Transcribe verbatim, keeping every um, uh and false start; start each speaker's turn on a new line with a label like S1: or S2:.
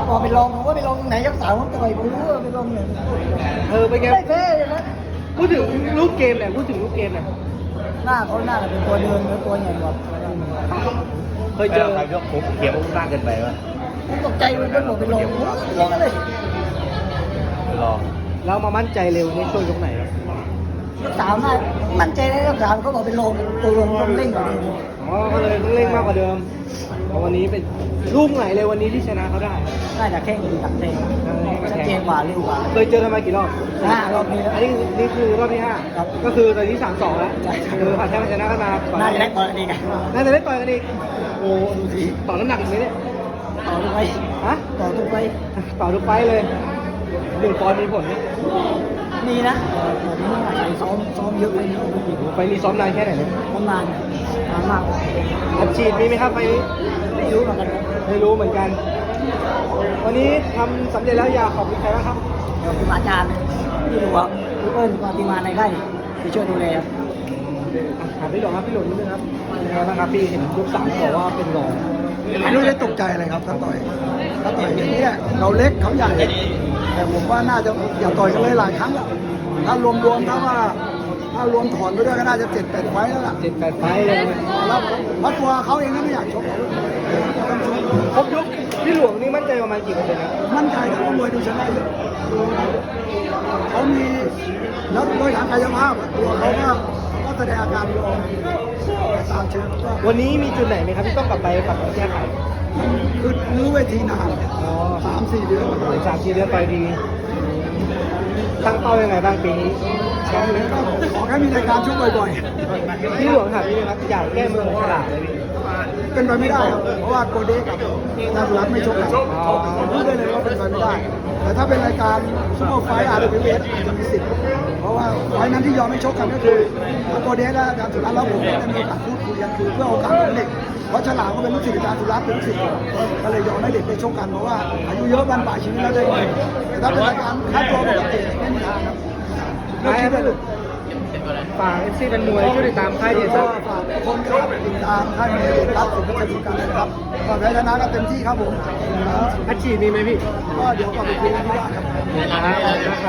S1: บอกไปลองผมว่าไปลองไหนยกสามผมต่อยผมรู้ว่าไปลองไหน
S2: เออเป็นไง
S1: ไม่แพ้เลยนะ
S2: พูดถึงลูกเกมหน่อยพูดถึงลูกเกมหน่อย
S1: หน้าเขาหน้าเป็นตัวเดินแล้วตัวใหญ่กว่า
S2: เคยเจอ
S3: ใครยกผมเขียวมากเกินไปวะ
S1: ผมตกใจมันก็บอกไปลองผมลองกันเลย
S3: รอ
S2: แล้วมามั่นใจเร็วในช่วงยกไหนครับ
S1: ยกสามน่ามั่นใจได้ยกสามเขาบอกไปลองตัวลงต้องเร่งกว่านี้
S2: อ๋อก็เลยต้องเร่งมากกว่าเดิมเพราะวันนี้เป็นลูกไหนเลยวันนี้ที่ชนะเขาได้
S1: น่าจะแข่งดีตักเตงชัดเจนกว่าเร็วกว่า
S2: เคยเจอกันมากี่รอบ
S1: ห้ารอบนี้แล้ว
S2: อันนี้นี่คือรอบที่ห้า
S1: ครับ
S2: ก็คือตอนนี้สามสองแล้ว
S1: ใช่
S2: คือผ่านแค่ชนะกันมาก่อ
S1: น่าจะได้บอลดีกัน
S2: น่าจะได้ต่อยกันอีกโอ้ดูสิต่อน้ำหนักอีกไหมเนี่ย
S1: ต่อทุกไป
S2: ฮะ
S1: ต่อทุกไป
S2: ต่อทุกไฟต์เลยหนึ่งปอนด์มีผลไหม
S1: มีนะผมนี่ใส่ซ้อมซ้อมเยอะไปนิดนึง
S2: ไฟล์นี้ซ้อมนานแค่ไหนเนี่ย
S1: ประมาณนานมาก
S2: อัดฉีดมีไหมครับไฟล์นี้
S1: ไม่รู้เหมือนกัน
S2: ไม่รู้เหมือนกัน วันนี้ทำสำเร็จแล้วอยากขอบคุณใครบ้างครับ
S1: เดี๋ยวคุณอาจารย์ที่ดูว่าพี่เปิ้ลปฏิมาในไร่ไปช่วยดูแลครับ
S2: อ่ะถามพี่หลงครับพี่หลงนิดนึงครับเป็นไงบ้างครับพี่เห็นยกสามบอกว่าเป็นรอง
S4: ไม่รู้ได้ตกใจอะไรครับถ้าต่อยถ้าต่อยอย่างนี้ยเราเล็กเขาใหญ่แต่ผมว่าน่าจะอย่าต่อยกันเลยหลายครั้งแล้วถ้ารวมๆถ้าว่าถ้ารวมถอนไปด้วยก็น่าจะเจ็ดแปดไฟต์แล้วล่ะ
S2: เจ็ดแปดไฟล์เลย
S4: แล้วเพราะตัวเขาเองก็ไม่อยากชกเขาต้องชก
S2: ครบยกพี่หลวงนี่มั่นใจประมาณกี่เปอร์เซ็นต์ครับ
S4: มั่นใจนะว่ามวยดูชนะเยอะเขามีแล้วโดยทางกายภาพอะตัวเขาก็ก็แสดงอาการยอมตามเชิงก็
S2: วันนี้มีจุดไหนไหมครับที่ต้องกลับไปปรับปรุงแก้ไข
S4: คือรื้อเวทีนาน
S2: อ๋อ
S4: สามสี่เดือน
S2: อีกสามสี่เดือนไปดีตั้งเป้ายังไงบ้างปีนี้แชมป์ไหม
S4: ก็ขอแค่มีรายการชกบ่อย
S2: พี่หลวงถามนี่นะครับอยากแก้มือของฉลาดเลยพี่
S4: ๆ เป็นไปไม่ได้ครับเพราะว่าโกเด้กับนาสุรัตน์ไม่ชกกันผมพูดได้เลยว่าเป็นไปไม่ได้ แต่ถ้าเป็นรายการซุปเปอร์ไฟท์อาร์ดีเอสอาจจะมีสิทธิ์เพราะว่าไฟท์นั้นที่ยอมไม่ชกกันก็คือโกเด้และอาจารย์สุรัตน์แล้วผมก็ได้มีโอกาสพูดคุยกันคือเพื่อโอกาสของเด็กเพราะฉลามก็เป็นลูกศิษย์อาจารย์สุรัตน์เป็นลูกศิษย์ก็เลยยอมให้เด็กได้ชกกันเพราะว่าอายุเยอะวันป่ายชีวิตแล้วได้เงินแต่ถ้าเป็นรายการค่าตัวปกติไม่มีทางครับเลิกคิดได้เลย
S2: ฝากเอฟซีเป็นมวยช่วยติดตามค่ายเดีย
S4: ก็
S2: ร์
S4: ฝากทุกคนครับติดตามค่ายมวยเดชรัตน์สุขชัยสุกันนะครับก็แพ้ชนะก็เต็มที่ครับผม
S2: อัดฉีดมีไหมพี่
S4: ก็เดี๋ยวก็ไปคุยกันที่บ้านครับ
S2: นะครับ